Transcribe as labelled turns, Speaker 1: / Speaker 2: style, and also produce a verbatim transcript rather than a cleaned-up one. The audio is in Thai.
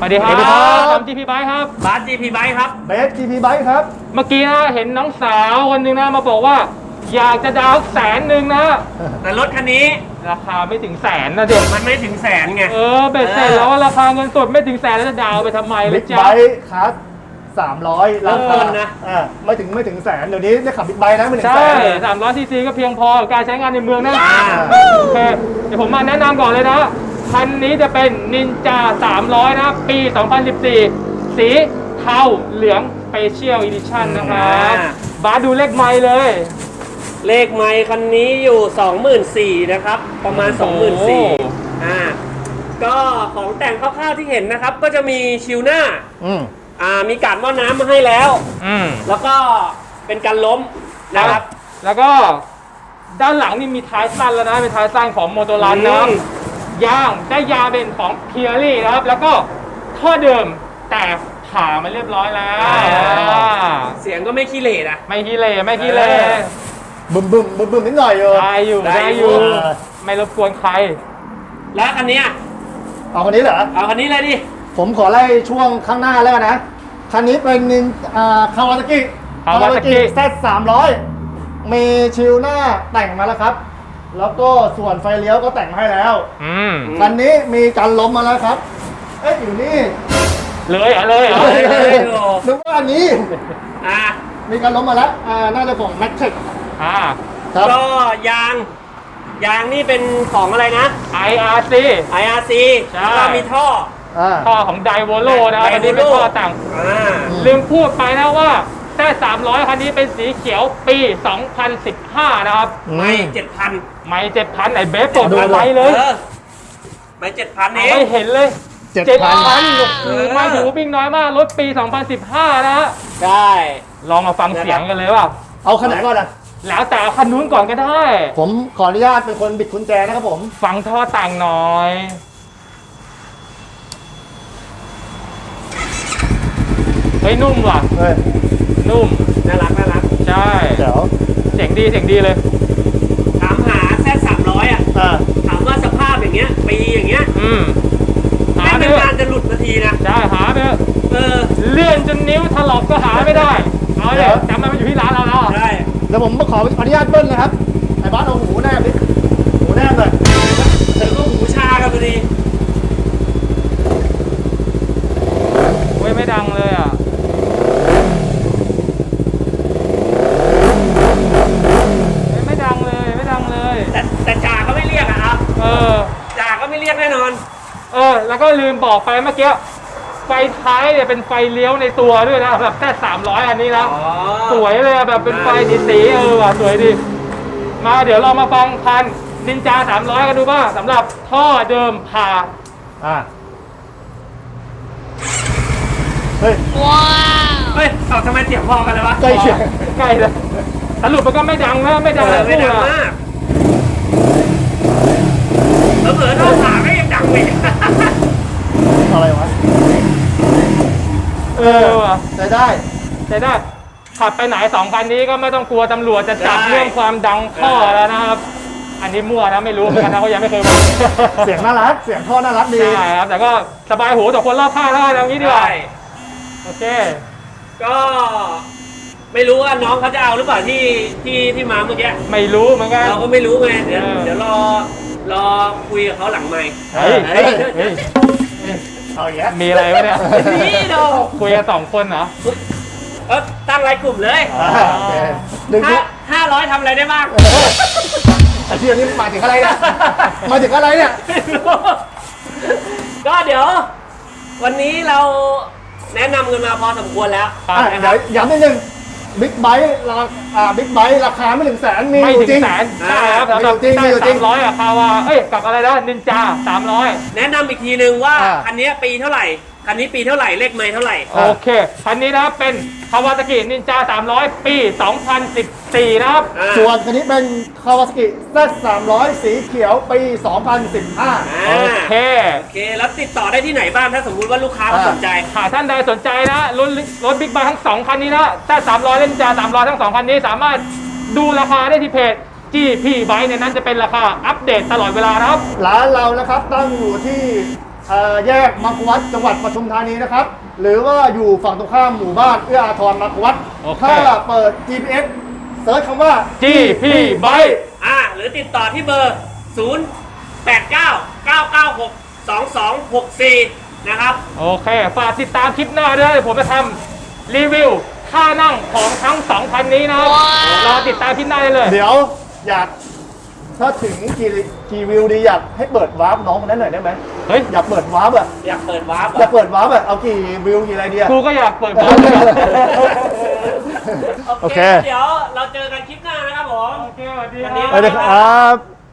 Speaker 1: วัสดีครับทำ จี พี Bike ครับ
Speaker 2: บาส จี พี Bike ครับ
Speaker 3: เบส จี พี Bike ครับ
Speaker 1: เมื่อกี้นะเห็นน้องสาวคนหนึ่งนะมาบอกว่าอยากจะดาวแสนหนึ่งนะ
Speaker 2: แต่รถคันนี้
Speaker 1: ราคาไม่ถึงแสนนะเด็ก
Speaker 2: มันไม่ถึงแสนไง
Speaker 1: เออเบ็ดเสร็จแล้วราคาเงินสดไม่ถึงแสนแล้วจะดาวไปทำไมเลยจ้า
Speaker 3: Big Bike คัสสามร้อย
Speaker 2: เริ่มต้นนะ
Speaker 3: อ่าไม่ถึงไม่ถึงแสนเดี๋ยวนี้ได้ขับ Big Bike นะไม่ถึงแสน
Speaker 1: ใช่สามร้อยซีซีก็เพียงพอกับการใช้งานในเมืองนะโอเคเดี๋ยวผมมาแนะนำก่อนเลยนะคันนี้จะเป็น Ninja สามร้อยนะปี สองพันสิบสี่ สีเทาเหลือง Special Edition นะครับบาสดูเลขไมล์เลย
Speaker 2: เลขไมล์คันนี้อยู่ สองหมื่นสี่พัน นะครับประมาณ สองหมื่นสี่พัน อ่าก็ของแต่งคร่าวๆที่เห็นนะครับก็จะมีชิลหน้า
Speaker 3: อืม
Speaker 2: อ่ามีการหม้อน้ำมาให้แล้ว
Speaker 1: อืม
Speaker 2: แล้วก็เป็นการล้มนะครับ
Speaker 1: แล้วก็ด้านหลังนี่มีท้ายสั้นแล้วนะเป็นท้ายสั้นของโมโตรันนะยางได้ยางเป็นของเพียรี่นะครับแล้วก็ท่อเดิมแต่ผ่ามาเรียบร้อยแล้ว
Speaker 2: เสียงก็ไม่ขี้เหร่นะ
Speaker 1: ไม่ขี้เหร่ไม่ขี้เหร่
Speaker 3: บึมบึมบึมบึมนิดหน่อยอยู่
Speaker 1: ได้อยู่ได้อยู่ไม่รบกวนใคร
Speaker 2: แล้วคันนี้
Speaker 3: เอาคันนี้เหรอ
Speaker 2: เอาคันนี้เลยดิ
Speaker 3: ผมขอไล่ช่วงข้างหน้าแล้วนะคันนี้เป็นนินอ่าคาวาซากิ
Speaker 1: คาวาซากิ
Speaker 3: แซด สามร้อยมีชิลหน้าแต่งมาแล้วครับแล้วก็ส่วนไฟเลี้ยวก็แต่งให้แล้วคันนี้มีการล้มมาแล้วครับเอ๊ะอยู่นี่
Speaker 1: เลยเหรอเลยเหรอ
Speaker 3: นึกว่าอันนี้
Speaker 2: อ่า
Speaker 3: มีการล้มมาแล้วอ่าน่าจะของแม็กเทค
Speaker 1: อ่า
Speaker 2: ครับก็ยางยางนี่เป็นของอะไรนะ
Speaker 1: ไอ อาร์ ซี
Speaker 2: ไอ อาร์ ซี แล้วก็มีท่อ
Speaker 1: ท่อของไดโวโลนะครับอันนี้เป็นท่อต่างลืมพูดไปนะว่าแค่สามร้อยคันนี้เป็นสีเขียวปี สองพันสิบห้า นะครับ
Speaker 2: ไม่เจ็ดพัน
Speaker 1: ไม่เจ็ดพันไอ้เบฟเปิดมาไว้เลย
Speaker 2: ไม่เจ็ดพันเอง
Speaker 1: ไม่เห็นเลยเจ็ดพันมาถือวิ่งน้อยมากรถปี สองพันสิบห้า นะฮะ
Speaker 2: ใช่
Speaker 1: ลองมาฟังเสียงกันเลยว่า
Speaker 3: เอาคันไหนก่อนนะ
Speaker 1: แล้วแต่คันนู้นก่อนก็ได้
Speaker 3: ผมขออนุญาตเป็นคนบิดกุญแจนะครับผม
Speaker 1: ฟังท่อแต่งหน่อยเฮ้ยนุ่มว่ะ
Speaker 3: เฮ้ย
Speaker 1: นุ่ม
Speaker 2: น่ารักน่ารัก
Speaker 1: ใช่
Speaker 3: เดี๋ยว
Speaker 1: เสียงดีเสียงดีเลย
Speaker 2: ถามหาแซดสามร้อยอ่ะถามว่าสภาพอย่างเงี้ยปีอย่างเงี้ย
Speaker 1: อืม
Speaker 2: หาไม่นานจะหลุดนาทีนะ
Speaker 1: ใช่หาไป
Speaker 2: เออ
Speaker 1: เลื่อนจนนิ้วถลอกก็หาไม่ได้เอาเดี๋ยวจำมันอยู่ที่ร้านเราแล้ว
Speaker 2: ใช่
Speaker 3: แล้วผมขออนุญาตเบิ้ลนะครับไอ้บ้านเอาหูแนบดิหูแนบเลย
Speaker 2: เดี๋ยวก็หูชากันพอดี
Speaker 1: เว้ยไม่ดังเลยอ่ะไม่ดังเลยไม่ดังเลย
Speaker 2: แต่แต่จ่าก็ไม่เรียกอะครับ
Speaker 1: เออ
Speaker 2: จ่าก็ไม่เรียกแน่นอน
Speaker 1: เออแล้วก็ลืมบอกไปเมื่อกี้ไฟท้ายเนี่ยเป็นไฟเลี้ยวในตัวด้วยนะแบบแค่สามร้อยอันนี้นะสวยเลยแบบเป็นไฟสีๆเออว่ะสวยดีมาเดี๋ยวเรามาฟังคันนินจาสามร้อยกันดูบ้างสำหรับท่อเดิมผ่า
Speaker 3: อ่าเฮ้ย
Speaker 2: ว้าวเฮ้ยเอาทำไมเสียงพอกันเลยวะ
Speaker 3: ใกล้เคียง
Speaker 1: ใกล้เลยสรุปมันก็ไม่ดังนะไม่ดังเลย
Speaker 2: ไม่ดังมากเผลอๆท่อผ่าก็ยังดังเลย
Speaker 3: อะไรวะ
Speaker 1: เออว่ะ
Speaker 3: ใช้ได้
Speaker 1: ใช้ได้ขับไปไหนสองคันนี้ก็ไม่ต้องกลัวตำรวจจะจับเรื่องความดังท่อแล้วนะครับอันนี้มั่วนะไม่รู้เหมือนกันนะเขายังไม่เคยบอก
Speaker 3: เสียงน่ารักเสียงท่อน่ารักดี
Speaker 1: ใช่ครับแต่ก็สบายหูต่อคนรอบข้างแล้วอย่างนี้ดีกว่าโอเค
Speaker 2: ก็ไม่รู้ว่าน้องเขาจะเอาหรือเปล่าที่ที่ที่มาเมื่อกี้
Speaker 1: ไม่รู้เหมือนกัน
Speaker 2: เราก็ไม่รู้ไงเดี๋ยวเดี๋ยวรอรอคุยกับเขาหลังไมค์
Speaker 1: เฮ้ยเฮ้ยเฮ้ย
Speaker 3: เอาอย่าง
Speaker 1: มีอะไรวะเนี่ย
Speaker 2: นี่โด
Speaker 1: คุยกันสองคนเหรอ
Speaker 2: เออตั้งรายกลุ่มเลยห้าห้าร้อยทำอะไรได้บ้าง
Speaker 3: อาชีพนี้มาถึงอะไรเนี่ยมาถึงอะไรเนี่ย
Speaker 2: ก็เดี๋ยววันนี้เราแนะนำกันมาพอสมควรแล้ว
Speaker 3: เดี๋ยวย้ำนิดนึงบิ๊กไบค์ราคาบิ๊กไบค์ราคาไม่ถึงแสนมี
Speaker 1: ไม่ถึงแสน
Speaker 3: ใช่
Speaker 1: ครับสำหรับที่สามร้อยอะคาวาเอ้ยกับอะไรนะนินจาสามร้อย
Speaker 2: แนะนำอีกทีนึงว่าคันนี้ปีเท่าไหร่คันนี้ปีเท่าไหร่เลขไมล์เท่าไหร่
Speaker 1: โอเคคันนี้นะเป็นคาวาซากินินจาสามร้อยปีสองพันสิบสี่นะครับ
Speaker 3: ส่วนคันนี้เป็นคาวาซากิ แซด สามร้อยสีเขียวปีสองพันสิบห้า
Speaker 1: โอเค
Speaker 2: โอเคแล้วติดต่อได้ที่ไหนบ้างถ้าสมมุติว่าลูกค้าสนใจ
Speaker 1: หากท่านใดสนใจนะรถรถบิ๊กไบค์ทั้งสองคันนี้นะแซด สามร้อยและนินจาสามร้อยทั้งสองคันนี้สามารถดูราคาได้ที่เพจ จี พี Bike ในนั้นจะเป็นราคาอัปเดตตลอดเวลานะครับ
Speaker 3: ร้านเรานะครับตั้งอยู่ที่เอ่อแยกมังควัดจังหวัดปทุมธานีนะครับ หรือว่าอยู่ฝั่งตรงข้ามหมู่บ้านเอื้ออาทรมังควัด
Speaker 1: โอเค
Speaker 3: ถ้าเปิด จี พี เอส เซิร์ชคำว่า
Speaker 1: จี พี Bike
Speaker 2: อ่าหรือติดต่อที่เบอร์ ศูนย์ แปด เก้า เก้า เก้า หก สอง สอง หก สี่ นะครับ
Speaker 1: โอเค ฝากติดตามคลิปหน้าด้วยผมจะทำรีวิวท่านั่งของทั้งสองคันนี้นะครับรอติดตามคลิปหน้าได้เลย
Speaker 3: เดี๋ยวอยากถ้าถึงกี่กี่วิวดีอยากให้เปิดวาร์ปน้องคนนั้นหน่อยได้ไหม
Speaker 1: เฮ้ย
Speaker 3: อยากเปิดวาร์ปอะ
Speaker 2: อยากเปิดวาร์ป
Speaker 3: อยากเปิดวาร์ปอะเอากี่วิวกี่อะไรดีอะ
Speaker 1: กูก็อยากเปิดบอลเลย
Speaker 2: โอ
Speaker 3: โอ
Speaker 2: เค
Speaker 3: เค
Speaker 2: เดี๋ยวเราเจอกันคลิปหน้านะครับผม
Speaker 1: โอเคสวัสดี
Speaker 2: วันนี้
Speaker 1: ค
Speaker 3: ไป
Speaker 1: รับ
Speaker 3: เลยครับ